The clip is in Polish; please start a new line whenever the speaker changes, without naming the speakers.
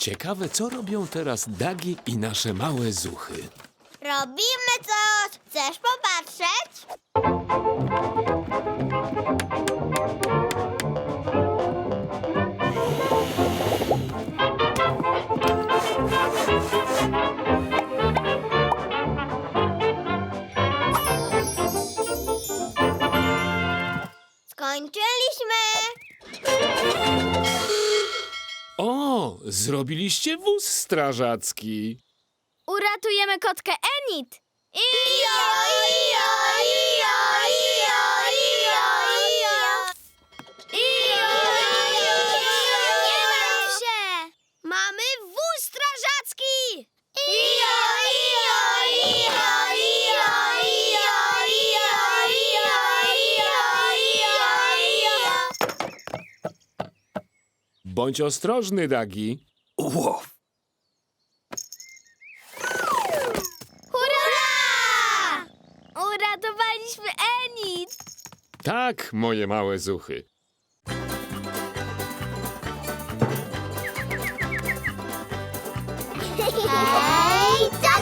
Ciekawe, co robią teraz Dagi i nasze małe zuchy.
Robimy coś. Chcesz popatrzeć? Skończyliśmy.
O, zrobiliście wóz strażacki.
Uratujemy kotkę Enid.
Ijo, ijo, ijo, ijo, ijo, ijo.
Nie martw się! Mamy wóz strażacki!
Ijo, ijo, ijo, ijo, ijo, ijo, ijo, ijo, ijo.
Bądź ostrożny, Dagi.
Łow!
Hurra! Uratowaliśmy Enid!
Tak, moje małe zuchy.
Hej, co?